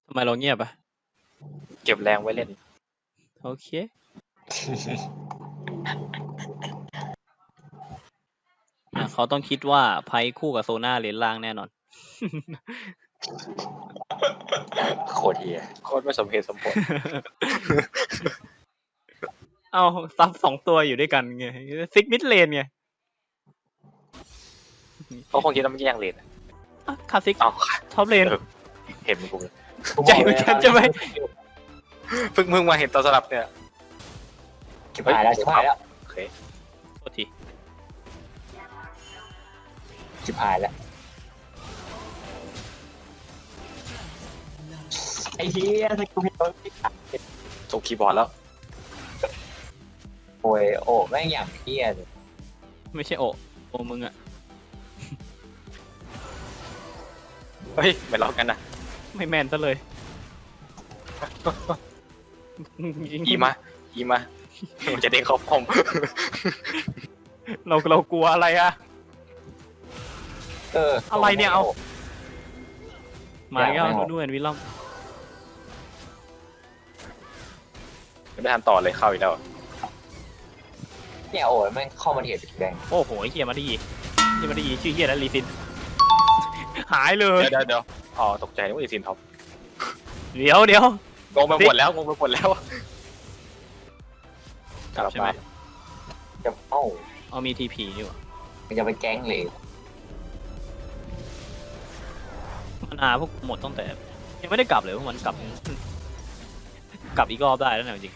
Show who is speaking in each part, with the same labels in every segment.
Speaker 1: ทำไมเราเงียบอ่ะ
Speaker 2: เก็บแรงไว้เล่น
Speaker 1: โอเคเขาต้องคิดว่าไพ่คู่กับโซน่าเลนล่างแน่นอน
Speaker 3: โคตรเฮีย
Speaker 2: โคตรไม่สมเหตุสมผล
Speaker 1: เอาซับ2ตัวอยู่ด้วยกันไงซิกมิดเลนไง
Speaker 2: เขาคงคิดว่ามันแย่งเลน
Speaker 1: คาซิก
Speaker 2: อ้าว
Speaker 1: ท็อปเลน
Speaker 2: เห็นมึงกูเลย
Speaker 1: ใจเหมือนกันใช่ไหม
Speaker 2: เพิ่งมาเห็นตอนสลับเนี่ย
Speaker 3: ชิบหายแล้วชิบหายแล้ว
Speaker 2: โอเค
Speaker 1: โทษที
Speaker 3: ชิบหายแล้วไอ้เฮียสกิลเฮลไม่ขาด
Speaker 2: ส่งคีย์บอร์ดแล้ว
Speaker 3: โอ้ยโอ้แม่งอย่างเฮียเลย
Speaker 1: ไม่ใช่โอมึงอะ
Speaker 2: เฮ้ยไม่ล็อกกันนะ
Speaker 1: ไม่แมนซะเลย
Speaker 2: อีมามันจะเด้งเข้าป้อม
Speaker 1: เรากลัวอะไรอะ อะไรเนี่ยเอามาแล้วด้วยวิลล่ม
Speaker 2: ไม่ทันต่อเลยเข้าอีกแล้ว
Speaker 3: เนี่ยโอ้ยแม่งเข้ามาเถียดแดง
Speaker 1: โอ้โหเฮียมาดีชื่อเฮียแล้วลีซินหายเลย
Speaker 2: เดี๋ยวอ๋อตกใจนึกว่าอีซินท็อป
Speaker 1: เดี๋ยว
Speaker 2: งงไปหมดแล้วกลับ
Speaker 1: ใช่ไหม
Speaker 2: มา
Speaker 3: จะ
Speaker 1: เอามีทีพีอยู่
Speaker 3: มันจะไปแก๊งเลย
Speaker 1: มันพวกหมดตั้งแต่ยังไม่ได้กลับเลยพวกมันกลับอีกรอบได้แล้วนะจริง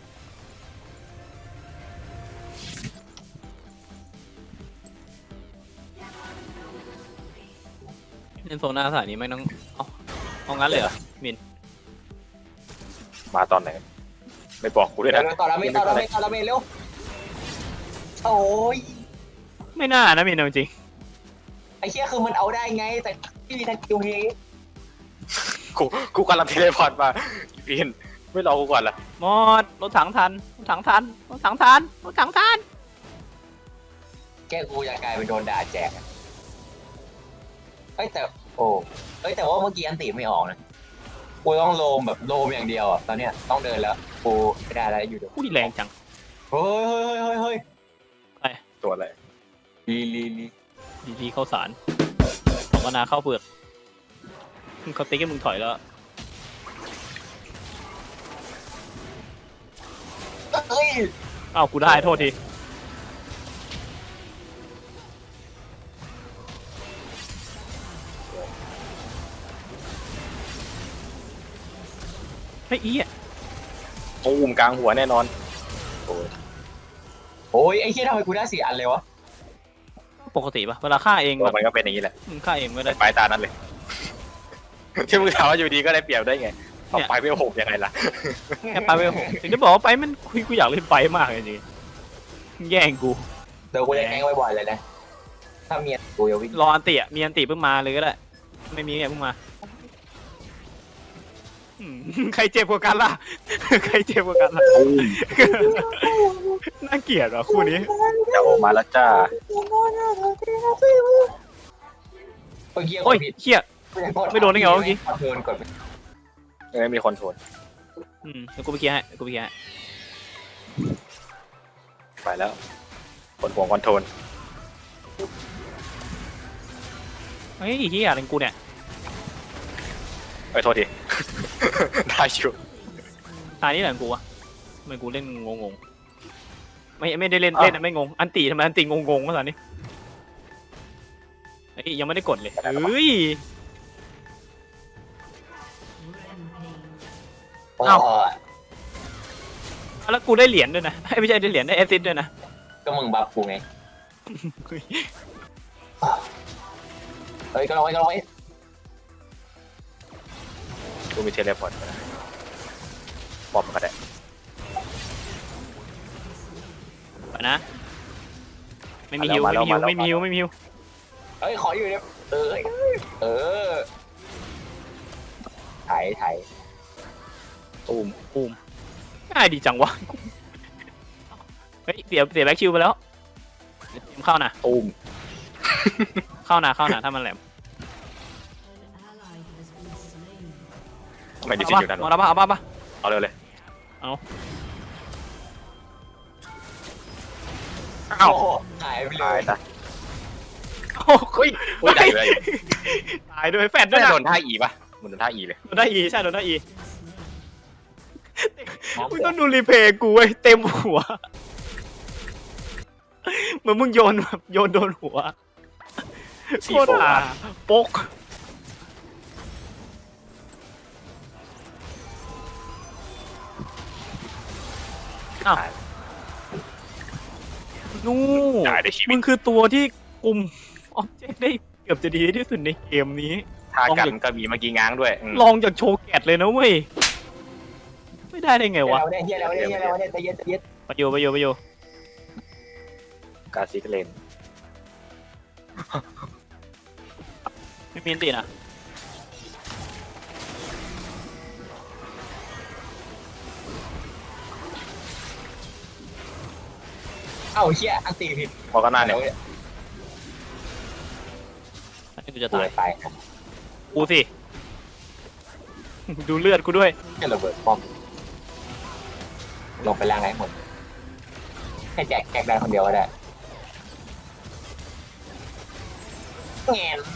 Speaker 1: เล่นโซน่าสายนี้ไม่ต้องเอางั้นเลยเหรอมิน
Speaker 2: มาตอนไหนไม่บอกกูด้วยนะ
Speaker 3: ต่อแล้วไม่เร็วโอ้ย
Speaker 1: ไม่น่านะมินจริง
Speaker 3: ไอ้เชี่ยคือมันเอาได้ไงแต่ที่มีสกิลเฮล
Speaker 2: กูกำลังเทเลพอร์ตมาอีพีนไม่รอกูก่อนละ
Speaker 1: หมดรถถังทัน
Speaker 3: แกกูอยากกลายเป็นโดนด่าแจกเฮ้ยแต่โอ้เฮ้ยแต่ว่าเมื่อกี้อันตีไม่ออกนะกูต้องโลมแบบโลมอย่างเดียวอ่ะตอนเนี้ยต้องเดินแล้วกูไม่ได้แล้วอยู่เดี๋ยว
Speaker 1: ผู้ที่แรงจัง
Speaker 3: เฮ้ย
Speaker 2: ตัวอะไร
Speaker 3: ลี
Speaker 1: เข้าสารของนาเข้าเปลือกเขาติ๊กให้มึงถอยแล้ว
Speaker 3: เฮ้ย
Speaker 1: อ้าวกูได้โทษทีเฮ้ยอีอ่ะ
Speaker 2: ตูมกลางหัวแน่นอน
Speaker 3: โอ้ยไอ้เชี่ยทำไมกูได้4 อันเลยวะ
Speaker 1: ปกติปะเวลาฆ่าเอง
Speaker 2: ตัว
Speaker 1: แบบ
Speaker 2: มันก็เป็นอย่างนี้แหละ
Speaker 1: ฆ่าเองไม่ได้
Speaker 2: ปลายตานั้นเลย ที่มึงถามว่าอยู่ดีก็ได้เปรียบได้ไงเอาไปไม่หกยังไงล่ะ
Speaker 1: แค่ไปไม่หกถึงจะบอกว่าไปมันกูอยากเล่นไปมากเลยจริงแย่งกู
Speaker 3: เดี๋ยวกูจะแกล้งบ่อยๆเลยนะถ้าเมียกูจะวิ่ง
Speaker 1: รออันติอ่ะมีอันติเพิ่งมาเลยก็ได้ไม่มีเนี่ยเพิ่งมาใครเจ็บกว่ากันล่ะ ใครเจ็บกว่ากันล่ะน่าเกลียดว่ะคู่นี้
Speaker 2: เดี๋ยวมาแล้วจ้า
Speaker 3: โอ้ยเฮีย
Speaker 1: โอ้ยเขี้ย ไม่โดนได้ไงวะเมื่อกี้
Speaker 3: โดนกด
Speaker 2: มีคอนโทรล
Speaker 1: เดี๋ยวกูไปเคลียร์ให้
Speaker 2: ไปแล้วคนห่วงคอนโทรล
Speaker 1: เฮ้ยเฮียอะไรกูเนี่ย
Speaker 2: โทษที ได้ชิว
Speaker 1: ตายนี่แหละกูอะทำไมกูเล่นงงไม่ได้เล่นไม่งงอันติทำไมอันติงงวะตอนนี้เฮ้ยยังไม่ได้กดเลยเฮ้ย เอ้า แล้วกูได้เหรียญด้วยนะไม่ใช่ได้เหรียญได้แอสซิสต์ด้วยนะ
Speaker 3: ก็มึงบัฟกูไงเฮ้ยก็ลองไว้
Speaker 2: กูมีเทเลพอร์ตปอบมันก็ได้
Speaker 1: ไปนะไม่มีฮิว
Speaker 3: เฮ้ยขออยู่เนี่ยถ่าย
Speaker 1: ตูมง่ายดีจังวะเฮ้ยเสียแบ็คชิวไปแล้วเข้านะ
Speaker 2: ตูม
Speaker 1: เข้านะถ้ามันแหลม
Speaker 2: ทำไมดิซินอยู่ด้านบ
Speaker 1: เอา
Speaker 2: น
Speaker 1: ละปะเอาปะปะ
Speaker 2: เอาเร็วเลย
Speaker 1: เอา
Speaker 2: อ้าว
Speaker 3: โอ้โหหายไปเล
Speaker 2: ตาย
Speaker 3: ย
Speaker 2: ซะ
Speaker 1: โอ้
Speaker 2: เฮ้ยเฮ้ยได้เลย
Speaker 1: ตายด้วยแฟดด้
Speaker 2: ไม่
Speaker 1: วย
Speaker 2: ได้
Speaker 1: นะ
Speaker 2: โดนท่าอีป่ะมันโดนท่าอีเลย
Speaker 1: โดนได้อีใช่โดนได้อีมึงต้องดูรีเพลย์กูเว้ยเต็มหัวเหมือนมึงโยนแบบโยนโดนหัวโคตรห่าโป๊กอ้าวนู่
Speaker 2: ตายในชีวิ
Speaker 1: มึ
Speaker 2: ต
Speaker 1: งคือตัวที่คุมออบเจกต์ได้เกือบจะดีที่สุดในเกมนี้
Speaker 2: ท่ากันก็มีเมื่อกี้ง้างด้วย
Speaker 1: ลองจากโชว์แกตเลยนะเว้ย ไม่ได้ได้ไงวะ
Speaker 3: เฮียแล้วเนี่ยเฮียแล้วเนี่ยใจเย็นใจเย็น
Speaker 1: ไปอยู่
Speaker 2: กาซิกเลน
Speaker 1: ไม่มีอันตินะ
Speaker 3: เอ้าเฮียอันตีผิด
Speaker 2: พอก็น่าเนี่ย
Speaker 1: อันนี้กูจะ
Speaker 3: ตา
Speaker 1: ตาย ย
Speaker 3: ตาย
Speaker 1: กูสิ ดูเลือดกูด้วย
Speaker 3: แค่ระเบิดป้อมลงไปล่างให้หมดให้แจกได้คนเดียวก็ได้แงน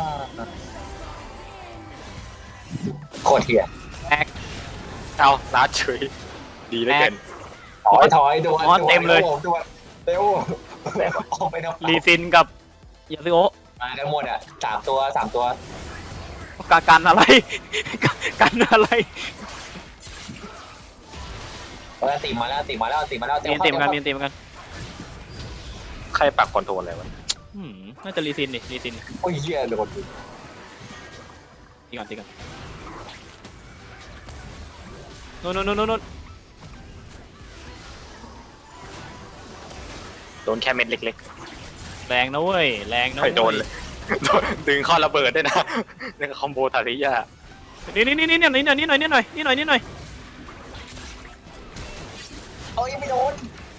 Speaker 3: โคตรเฮีย
Speaker 2: เอาลาดเฉยดีเหลยเกิน
Speaker 3: ถอยด่วน
Speaker 1: อ๋อเต็มเลย
Speaker 3: ด่วนเร็วออกไปนอก
Speaker 1: รีซินกับยาซิโอ
Speaker 3: มากันหมดอ่ะสามตัว
Speaker 1: กันอะไร กันอะไร
Speaker 3: ตีมาแล้ว
Speaker 1: มีอันติเหมือนกัน
Speaker 2: ใครปักคอนโทรลอะไรวะ
Speaker 1: น่าจะรีซินดิรีซิน
Speaker 3: โอ้ยเหี้ยโดน
Speaker 1: ตีก่อนนู่น
Speaker 2: โดนแค่เม็ดเล็ก
Speaker 1: แรงนะเว้ย แรง
Speaker 2: ๆ
Speaker 1: นะ
Speaker 2: ไม่โดนเลยดึงเข้อระเบิดด้วยนะนี่คอมโบทาริยา
Speaker 1: นี่หน่อย
Speaker 3: โอ้ยไม่โดน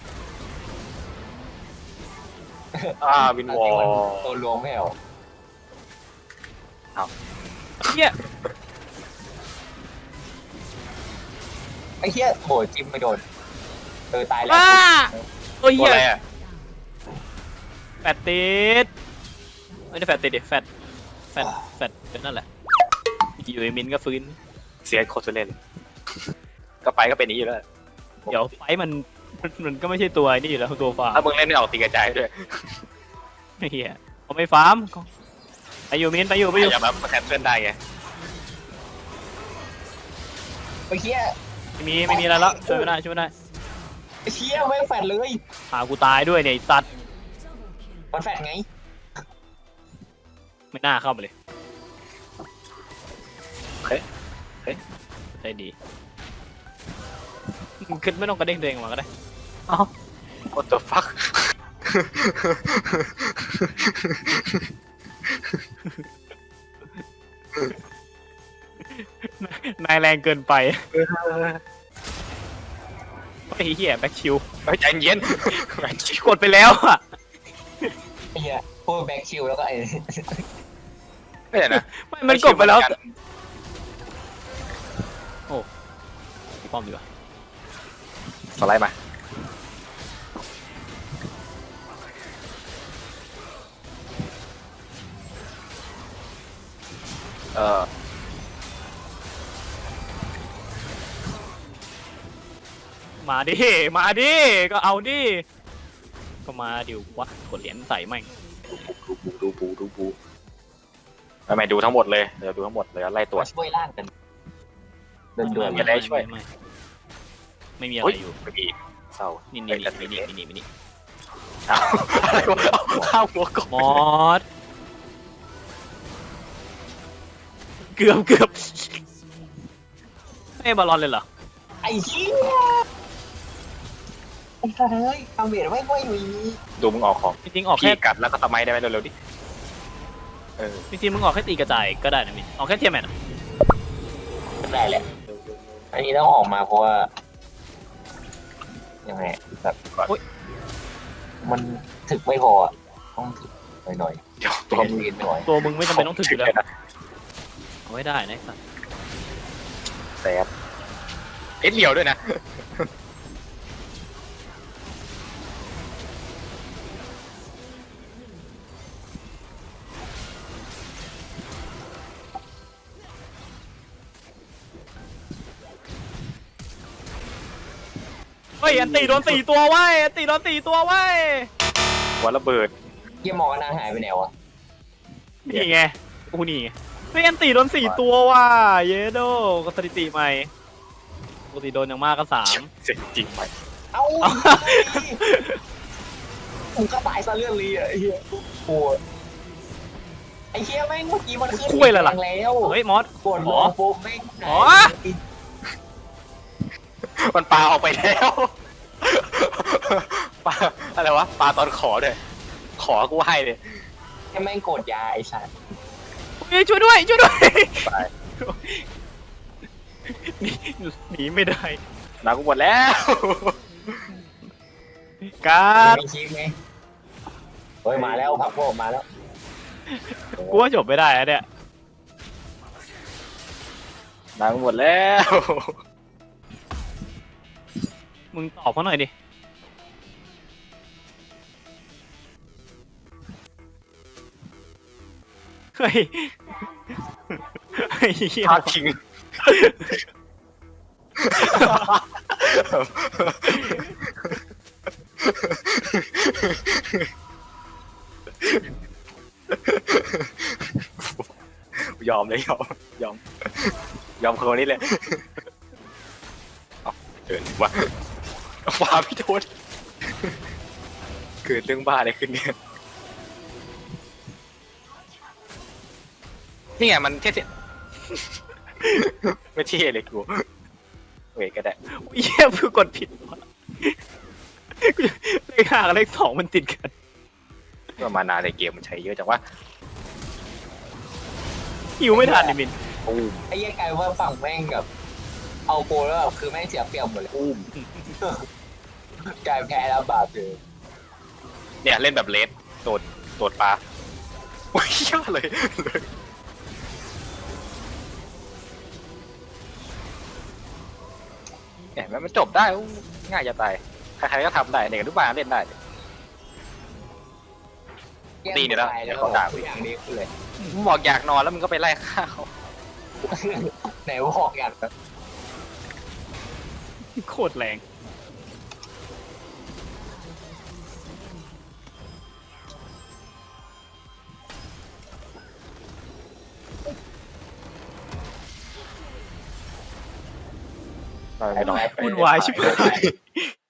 Speaker 2: วินวอล
Speaker 3: ตัวรวมไม่เอา
Speaker 1: เฮีย
Speaker 3: ไอ้เหี้ยโหจิ้มไม่โดนตายแล้ว
Speaker 1: ว้าโอ้ย
Speaker 2: ตั
Speaker 1: เฮี
Speaker 2: วย อะไรอ่ะ
Speaker 1: แฟดติดไม่ได้แฟดติดดิแฟดเป็นนั่นแหละอยู่ไอมินก็ฟื้น
Speaker 2: เสียโคตรเล่นก็ไปก็เป็นนี้อยู่แล้ว
Speaker 1: เดี๋ยวไฟมันก็ไม่ใช่ตัวนี่อยู่แล้วตัวฟาร์
Speaker 2: ถ้าม มึงเล่นไม่ออกตีกระจายด้วย
Speaker 1: เฮียเขาไม่ฟาร์มไปอยู่มินไปอยู่
Speaker 2: อย่ามาแคนเซิลได้ไง
Speaker 3: ไอ้เหี้ย
Speaker 1: ไม่มีอะไรแล้วช่วยไม่ได้
Speaker 3: ไอ้เหี้ยไม่แฟดเลย
Speaker 1: หากูตายด้วยเนี่ยไอ้สัตว์
Speaker 3: มันแฟดไง
Speaker 1: ไม่น่าเข้าไปเลย
Speaker 2: เฮ้ย
Speaker 1: ใจดีขึ้นไม่ต้องกระเด้งตัวเองออกมาก็ได้
Speaker 2: What the fuck
Speaker 1: นายแรงเกินไปไอ้เหี้ยแบ็คชิว
Speaker 2: เฮ้ยใจเย็น
Speaker 1: กดไปแล้วอ่ะ
Speaker 3: ไอ้เหี้ยพูดแบ็คชิลแล้วก็ไอ้
Speaker 2: ไม่ใช่นะ
Speaker 1: ไม่มันกดไปแล้วป้อมดีกว่า
Speaker 2: สไลด์มา
Speaker 1: มาดิก็เอาดิก็มาดิวะกดเหรียญใส่แม่ง
Speaker 2: ดูปูไม่ดูทั้งหมดเลยเดี๋ยวดูทั้งหมดเลยไล่ตรวจ
Speaker 3: ช่วยล่างกันเดิน
Speaker 2: อย่าได้ช่วย
Speaker 1: ไม่มีอะไร
Speaker 2: เฮ้ย
Speaker 1: อยู่
Speaker 2: ไม่มีเศร้า
Speaker 1: นี่
Speaker 2: เอาอะไรวะข้าวหัวกบ
Speaker 1: มอสเกือบไม่บอลลอนเลยเหรอ
Speaker 3: ไอ้เหี้ยไอ้เฮ้ยทำเบียดไม่ค่อยมี
Speaker 2: ดูมึงออกของ
Speaker 1: จริงๆออก
Speaker 2: พี่
Speaker 1: แค่
Speaker 2: กัดแล้วก็ทำไมได้ไหมเร็วๆดิ
Speaker 1: จริงๆมึงออกแค่ตีกระจายก็ได้นะมินออกแค่เทียมแมน
Speaker 3: ได้แหละ อันนี้ต้องออกมาเพราะว่ายังไงแบบมันถึกไม่พออ่ะต้องถึกหน่อย
Speaker 2: เดี๋ยว
Speaker 3: ๆ
Speaker 2: ตัว
Speaker 3: เรียนหน่อย
Speaker 1: ตัวมึงไม่จำเป็นต้องถึงอยู่แล้วเอาไว้ได้นะสัส
Speaker 2: แสบเอ็ดเหลียวด้วยนะ
Speaker 1: เฮ้ยอันตีโดน4 ตัวไว้ยอันตีโดน4 ตัวไว้ย
Speaker 2: หัวระเบิด
Speaker 3: เยี่ยมองกันนางหายไปไหนวะ
Speaker 1: นี่ไงกูนี่ไงเฮ้ยอันตีโดน4 ตัวว่ะเยโดก็สถิติใหม่ปกติโดนอย่างมากก็3
Speaker 2: เสร็จจริงไป
Speaker 3: เอ้ามึงก็ตายซะเลื่อนลีอ่ะไอ้เหี้ยโอ้ยไอ้เหี้ยแม่งเมื่อกี้มันขึ้น
Speaker 1: คุยเลยล่ะ
Speaker 3: แรงแล้ว
Speaker 1: เฮ้ยมอส
Speaker 3: กดลงปุ๊บแม่งหาย
Speaker 1: อ๋อ
Speaker 2: มันปลาออกไปแล้วปลาอะไรวะปลาตอนขอเลยขอกูให้เลย
Speaker 3: แค่แม่งกดยาไอ้สัส
Speaker 1: เฮ้ยช่วยด้วยช่วยด้วย
Speaker 2: ไป
Speaker 1: หนีไม่ได้
Speaker 2: น้ำกูหมดแล้ว
Speaker 1: การ์ด
Speaker 3: มีคลิปไหมเฮ้ยมาแล้วพับพวกมาแล้ว
Speaker 1: กูว่าจบไม่ได้อะเนี่ย
Speaker 2: น้ำกูหมดแล้ว
Speaker 1: มึงตอบเขาหน่อยดิเฮ้ยเฮ้ยเหี้ย
Speaker 2: พาดทิ้งยอมเลยยอมคนนี้เลยเอาเดินวะฟ้าพี่โทษเกิดเรื่องบ้าอะไรขึ้นเนี่ยนี่ไงมันเท่ๆไม่เท่เลยกูเวทก็ได้
Speaker 1: เหี้ยกูกดผิดวะเลข5กับเลข2มันติดกัน
Speaker 2: ก็มานานในเกมมันใช้เยอะจังวะ
Speaker 1: หิวไม่ทันดิมิน
Speaker 2: ตูม
Speaker 3: ไอ้เหี้ยกลายว่าฝั่งแม่งแบบเอาโกแล้วแบบคือแม่งเสียเปรียบหมดเลย
Speaker 2: ตูม
Speaker 3: กลายแพ้แล้วบาปเลย
Speaker 2: เนี่ยเล่นแบบเลสโดดปลาโอ้ยยอดเลยเนี่ยมันจบได้อู้ง่ายจะตายใครๆก็ทำได้เด็กอนุบาลเล่นได้ ดีเนี่ยนะ
Speaker 3: แก้
Speaker 2: เดี๋
Speaker 3: แล้
Speaker 2: ยว วเขาด่ากู
Speaker 3: ทุกอย่างดีขึ้นเลย
Speaker 2: มึงบอกอยากนอนแล้วมึงก็ไปไล่ฆ่าเขา
Speaker 3: ไหนบอกอย่างแบบ
Speaker 1: โคตรแรงวุ่นวายชิบหาย